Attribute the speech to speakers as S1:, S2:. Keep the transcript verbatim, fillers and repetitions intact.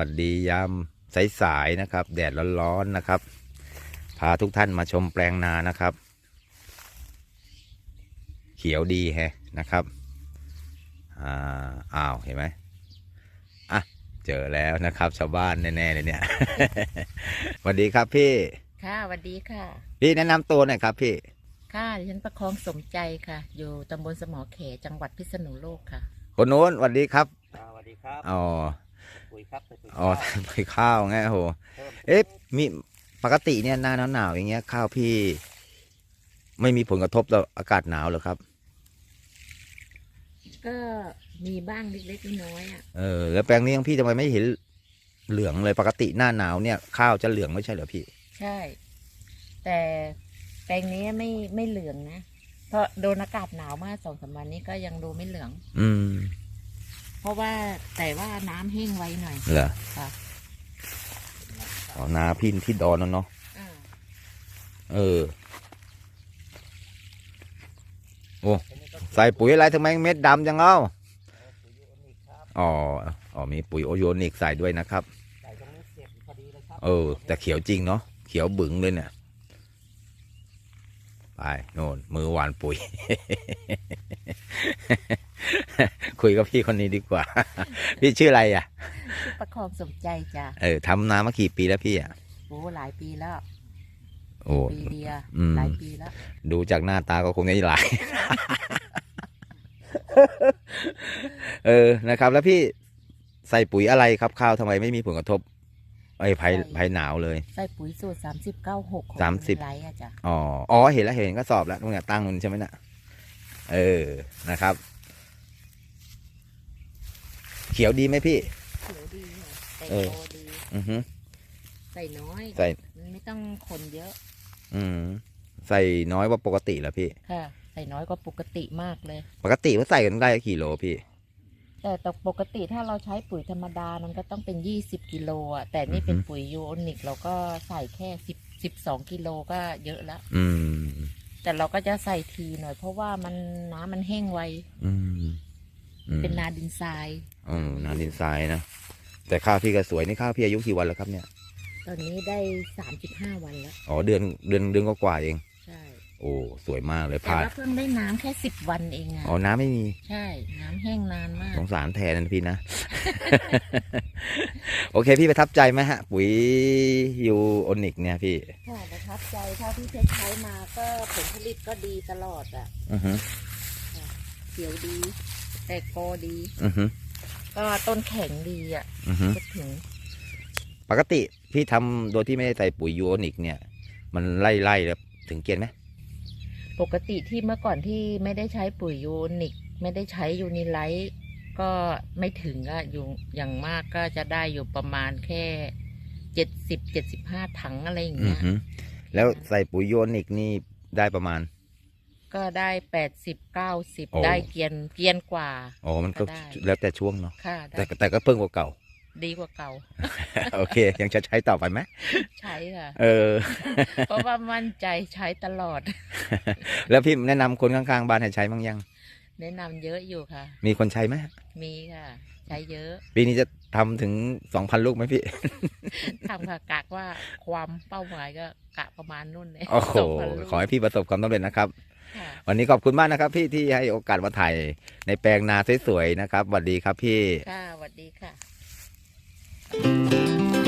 S1: วัสดียามสายๆนะครับแดดร้อนๆนะครับพาทุกท่านมาชมแปลงนานะครับ เขียวดีแฮะนะครับอ่าอ้าวเห็นไหมอ่ะเจอแล้วนะครับชาวบ้านแน่ๆเลยเนี่ย สวัสดีครับพี่
S2: ค่ะสวัสดีค่ะ
S1: พี่แนะนำตัวหน่อยครับพี่
S2: ค่ะดิฉันประคองสมใจค่ะอยู่ตำบลสมอเขจังหวัดพิษณุโลกค่ะ
S1: คนโน้นสวัสดีครับ
S3: สวัสดีครับ
S1: อ๋อ
S3: ปุ๋ยครับปุ๋ย
S1: อ๋อไปข้าวไงโหเอ๊ะมีปกติเนี่ยหน้าหนาวๆอย่างเงี้ยข้าวพี่ไม่มีผลกระทบต่ออากาศหนาวหรอครับ
S2: ก็มีบ้างเล็กๆน้อยๆอ่ะ
S1: เออแล้วแปลงนี้ของพี่ทำไมไม่เห็นเหลืองเลยปกติหน้าหนาวเนี่ยข้าวจะเหลืองไม่ใช่เหรอพี่
S2: ใช่แต่แปลงนี้ไม่ไม่เหลืองนะเพราะโดนอากาศหนาวมากสองสามวันนี้ก็ยังดูไม่เหลือง
S1: อืม
S2: เพราะว่าแต่ว่าน้ำแห้งไวหน่อย
S1: เหรอ
S2: ค่ะ
S1: อ๋อนาพี่ที่ดอนนั่นเนาะเออโอ้ใส่ปุ๋ยอะไรทำไมเม็ดดำจังเอ้าอ๋ออ๋อมีปุ๋ยโอโยนิกใส่ด้วยนะครับเออแต่เขียวจริงเนาะเขียวบึ๋งเลยเนี่ยไปโน่นมือหวานปุ๋ย คุยกับพี่คนนี้ดีกว่า พี่ชื่ออะไรอ่ะ
S2: ชื่อประคองสมใจจ้ะ
S1: เออทำนามากี่ปีแล้วพี่อ่ะ
S2: โอ้หลายปีแล้ว
S1: โอ้
S2: ปีเดียวหลายปีแล้ว
S1: ดูจากหน้าตาก็คงจะหลาย เออนะครับแล้วพี่ใส่ปุ๋ยอะไรครับข้าวทำไมไม่มีผลกระทบไอ้ภัยภัยหนาวเลย
S2: ใส่ปุ๋ยสูตรสามสิบเก้าหก
S1: สามสิบ
S2: ไรอะจ้ะ
S1: อ๋ออ๋อเห็นแล้วเห็นก็สอบแล้วตรงเนี้ยตั้งมันใช่ไหมน่ะเออนะครับเขียวดีไหมพี่
S2: เขียวดีใส่โตดี
S1: อือฮึ
S2: ใส่น้อย
S1: ใส่
S2: ไม่ต้องคนเยอะ
S1: อืมใส่น้อยกว่าปกติเหรอพี่
S2: ค่ะใส่น้อยกว่าปกติมากเลย
S1: ปกติว่าใส่กันได้กี่โลพี่
S2: แต่แต่ปกติถ้าเราใช้ปุ๋ยธรรมดามันก็ต้องเป็นยี่สิบกิโลอ่ะแต่นี่เป็นปุ๋ยยูโอนิกเราก็ใส่แค่สิบสิบสองกิโลก็เยอะแล้ว
S1: อืม
S2: แต่เราก็จะใส่ทีหน่อยเพราะว่ามันน้ำมันแห้งไว
S1: อืม
S2: เป็นนาดินทราย
S1: อืมนาดินทรายนะแต่ข้าวพี่ก็สวยนี่ข้าวพี่อายุกี่วันแล้วครับเนี่ย
S2: ตอนนี้ได้สามสิบห้าวันแล้ว
S1: อ๋อเดือนเดือนเดือนก็กว่าเอง
S2: ใช่
S1: โอ้สวยมากเลย
S2: แต่ว่าเพิ่งได้น้ำแค่สิบวันเองอ่ะ
S1: อ๋อน้ำไม่มี
S2: ใช่น้ำแห้งนานมาก
S1: สงสารแทนนะพี่นะ โอเคพี่ประทับใจไหมฮะปุ๋ยยูโอนิกเนี่ยพี่
S2: ค่ะประทับใจเท่าที่ใช้มาก็ผลผลิตก็ดีตลอดอ่ะ
S1: อือฮึ
S2: เขียวดีแตกกอดี
S1: อือฮึ
S2: ก็ต้นแข็งดีอ่ะ
S1: อือฮึ
S2: ถึง
S1: ปกติพี่ทำโดยที่ไม่ได้ใส่ปุ๋ยยูโอนิกเนี่ยมันไล่ไล่แล้วถึงเกณฑ์ไหม
S2: ปกติที่เมื่อก่อนที่ไม่ได้ใช้ปุ๋ยยูนิคไม่ได้ใช้ยูนิไลท์ก็ไม่ถึงอะอยู่อย่างมากก็จะได้อยู่ประมาณแค่เจ็ดสิบเจ็ดสิบห้าถังอะไรอย่างเงี้ย
S1: แล้วใส่ปุ๋ยยูนิคนี่ได้ประมาณ
S2: ก็ได้แปดสิบเก้าสิบได้เกียนเกียนกว่า
S1: อ๋อมันก็แล้วแต่ช่วงเนาะแต่แต่ก็เพิ่งกว่าเก่า
S2: ดีกว่าเก่า
S1: โอเคยังจะใช้ต่อไปไหม
S2: ใช้ค่ะ
S1: เออ
S2: เพราะว่ามั่นใจใช้ตลอด
S1: แล้วพี่แนะนำคนข้างๆบ้านให้ใช้บ้างยัง
S2: แนะนำเยอะอยู่ค่ะ
S1: มีคนใช้ไหม
S2: มีค่ะใช้เยอะ
S1: ปีนี้จะทำถึงสองพันลูกไหมพี่
S2: ทำค่ะกะว่าความเป้าหมายก็กะประมาณนู่นเลย
S1: โอ้โหขอให้พี่ประสบความสำเร็จนะครับวันนี้ขอบคุณมากนะครับพี่ที่ให้โอกาสมาถ่ายในแปลงนาสวยๆนะครับสวัสดีครับพี่
S2: ค่ะสวัสดีค่ะ